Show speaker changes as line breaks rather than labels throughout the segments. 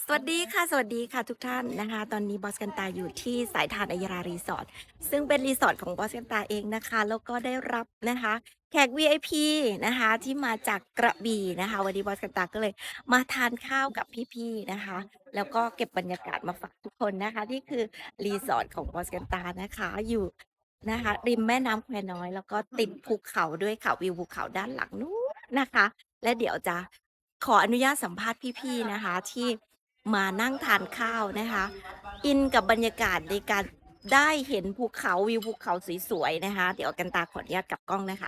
สวัสดีค่ะสวัสดีค่ะทุกท่านนะคะตอนนี้บอสกันตาอยู่ที่สายทานอัยยรารีสอร์ทซึ่งเป็นรีสอร์ทของบอสกันตาเองนะคะแล้วก็ได้รับนะคะแขก VIP นะคะที่มาจากกระบี่นะคะวันนี้บอสกันตาก็เลยมาทานข้าวกับพี่ๆนะคะแล้วก็เก็บบรรยากาศมาฝากทุกคนนะคะนี่คือรีสอร์ทของบอสกันตานะคะอยู่นะคะริมแม่น้ำแควน้อยแล้วก็ติดภูเขาด้วยค่ะวิวภูเขาด้านหลังนู้นนะคะและเดี๋ยวจะขออนุญาตสัมภาษณ์พี่ๆนะคะที่ มานั่งทานข้าวนะคะอินกับบรรยากาศในการได้เห็นภูเขาวิวภูเขาสวยๆนะคะเดี๋ยวกันตาขออนุญาตกลับกล้องนะคะ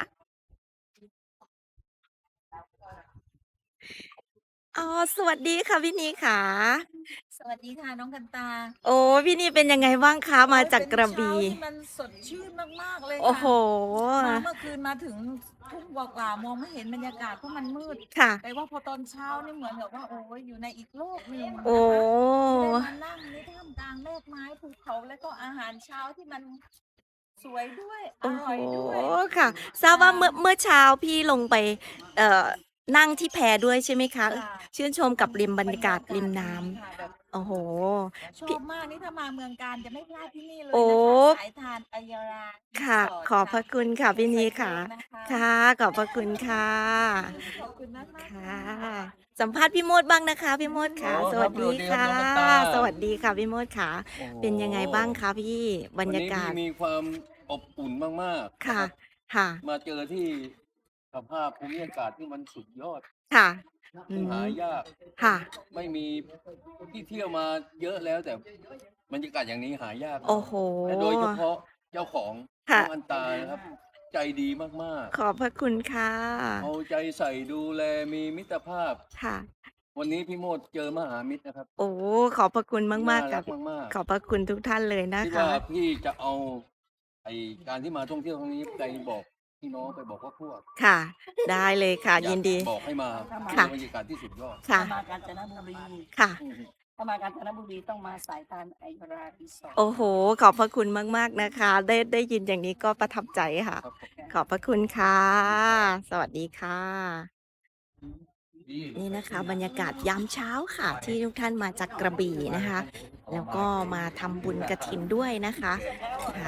อ๋อสวัสดีค่ะพี่นีขา
สวัสดีค่ะน้องกันตา
โอ้พี่นีเป็นยังไงบ้างคะมา
โอ้ยเป็น
จากกระ
เช้า
บี่
ที่มันสดชื่นมากๆเลยค่ะ
โอ้โห
มาเมื่อคืนมาถึงทุ่งกว่าๆมองไม่เห็นบรรยากาศเพราะมันมืด
ค่ะ
แต่ว่าพอตอนเช้านี่เหมือนกับว่าโอ้ยอยู่ในอีกโลกหนึ่ง
โอ้
นะคะที่ได้มานั่งในท่ามกลางเมฆไม้ภูเขาแล้วก็อาหารเช้าที่มันสวยด้วยอ
โอ้โห
ร่อยด้วย
ค่ะทราบ
ค่ะ
ว่าเมื่อเช้าพี่ลงไปเอ่อนั่งที่แพด้วยใช่ไหมคะ
ค่ะ
ชื่นชมกับริมบร
บรร
รยากาศ
ยากาศดี
ริมน้
ค่ะแบบ
ำโอ้โห
ชอ
พี่
บมากนี่ถ้ามาเมืองกาญจะไม่พลาดที่นี่เล
โอ้
ยนะคะสายทานอัยยารารี
ค่ะ
สอร์ทค่ะ
ขอบพระคุณค่ะ
ใน
พี่นี
ไซโย
ค่ะ
กนะคะ
ค่ะขอบพระคุณค่ะ
ขอบคุณมากๆ
ค่ะ
ค่ะ
สัมภาษณ์พี่โมดบ้างนะคะพี่โมด
อ๋อ
ค่ะสวั
ครับส
สดีค่ะ
วัสดีครับน้องกันตา
สวัสดีค่ะพี่โมดค่ะ
โอ้โห
เป็นยังไงบ้างคะพี่บร
วันนี้พี่
รยากาศ
มีความอบอุ่นมากๆนะ
ค่ะ
ครับ
ค่ะ
มาเจอที่สภาพภูมิอากาศที่มันสุดยอด
ค่ะอื
ซึ่งหา
ม
ยาก
ค่ะ
ไม่มีที่เที่ยวมาเยอะแล้วแต่บรรยากาศอย่างนี้หายากนะ
โอ้โห
และโดยเฉพาะเจ้าของน้
ค่ะ
องอันตานะครับใจดีมาก
ขอบพระคุณค่ะ
ๆเอาใจใส่ดูแลมีมิตรภาพ
ค่ะ
วันนี้พี่โมดเจอมหามิตรนะครับ
โอ้ขอบพระคุณมาก
น่ารัก
ๆค่ะพี่
มาก
ขอบพระคุณทุกท่านเลย
ๆคิดว่า
นะคะ
พี่จะเอาไอการที่มาท่องเที่ยวครั้งนี้ไปบอกพี่น้องไปบอกว่าพวก
ค่ะได้เลยค่ะ
อยาก
ยินดี
บอกให้มาเจ
ค่ะ
อบรรยากาศที่สุดยอด
ค่ะ
ถ้ามากาญจนบุรี
ค่ะ
อืม
ถ้ามากาญจนบุรีต้องมาสายทานอัยยารารีสอร์ท
โอ้โฮขอบพระคุณมากๆนะคะได้ยินอย่างนี้ก็ประทับใจค่ะ
ครับผม
ขอบพระคุณค่ะสวัสดีค่ะ
ดี
นี่นะคะบรรยากาศยามเช้าค่ะที่ทุกท่านมาจากกระบี่นะคะแล้วก็มาทำบุญกฐินด้วยนะคะค่ะ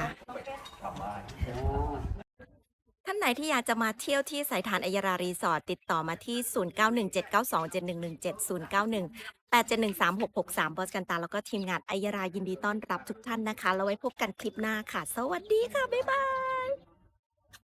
ท่านไหนที่อยากจะมาเที่ยวที่สายทานอัยยรารีสอร์ทติดต่อมาที่0917927117 0918713663บอสกันตาแล้วก็ทีมงานอัยยรายินดีต้อนรับทุกท่านนะคะแล้วไว้พบกันคลิปหน้าค่ะสวัสดีค่ะบ๊ายบาย